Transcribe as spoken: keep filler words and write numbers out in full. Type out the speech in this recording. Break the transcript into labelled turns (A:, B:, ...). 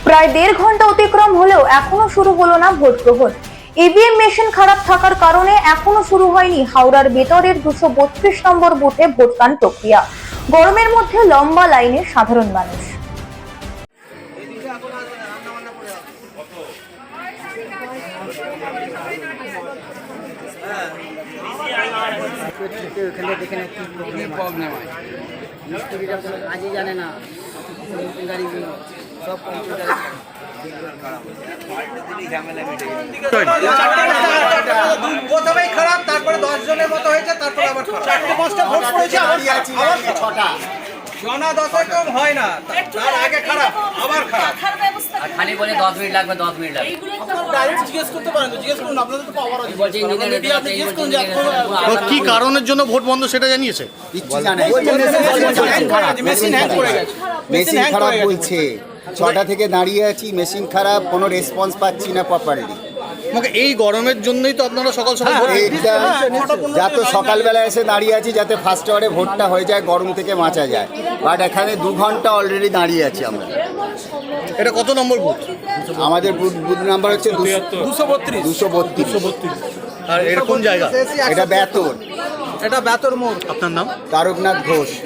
A: প্রায় দেড় ঘন্টা অতিক্রম হলেও এখনো শুরু হলো না ভোট গ্রহণ। ইভিএম মেশিন খারাপ থাকার কারণে এখনো শুরু হয়নি হাওড়ার বেতরের দুশো বত্রিশ নম্বর বুথে ভোটদান প্রক্রিয়া। গরমের মধ্যে লম্বা লাইনে সাধারণ মানুষ।
B: প্রবলেম হয় মিস্ত্রিরা কোনো কাজই জানে না, গাড়িগুলো সব কম্পিউটার।
C: প্রথমেই খারাপ, তারপরে দশ জনের মতো হয়েছে, তারপরে আবার চারটে পাঁচটা ভোট পড়েছে, আবার ছটা জনা দশে কম হয় না, তার আগে খারাপ আবার খারাপ।
D: আর খালি বলে দশ মিনিট লাগবে দশ মিনিট লাগবে
C: ডাইরেক্ট জিজ্ঞেস করতে পারেন তো, জিজ্ঞেস করুন, আপনাদের তো পাওয়ার আছে।
D: বলছে ইঞ্জিনিয়ার
C: মিডিয়া আপনি জিজ্ঞেস করুন যে আপনারা
E: কি কারণের জন্য ভোট বন্ধ সেটা জানিয়েছে?
C: মেশিন হ্যাং করে গেছে,
F: মেশিন খারাপ বলছে। ছটা থেকে দাঁড়িয়ে আছি, মেশিন খারাপ, কোনো রেসপন্স পাচ্ছি না প্রপারলি।
E: আমাকে এই গরমের জন্যই তো আপনারা সকাল সকাল ভোট
F: এইটা যাতে সকালবেলা এসে দাঁড়িয়ে আছি যাতে ফার্স্ট আওয়ারে ভোটটা হয়ে যায়, গরম থেকে বাঁচা যায়। বাট এখানে দু ঘন্টা অলরেডি দাঁড়িয়ে আছি আমরা।
E: এটা কত নম্বর বুথ?
F: আমাদের বুথ বুথ নাম্বার হচ্ছে
C: দুশো বত্রিশ
F: দুশো বত্রিশ।
E: আর এটা কোন জায়গা?
F: এটা বেতর।
C: এটা বেতর মোড়।
E: আপনার নাম?
F: তারকনাথ ঘোষ।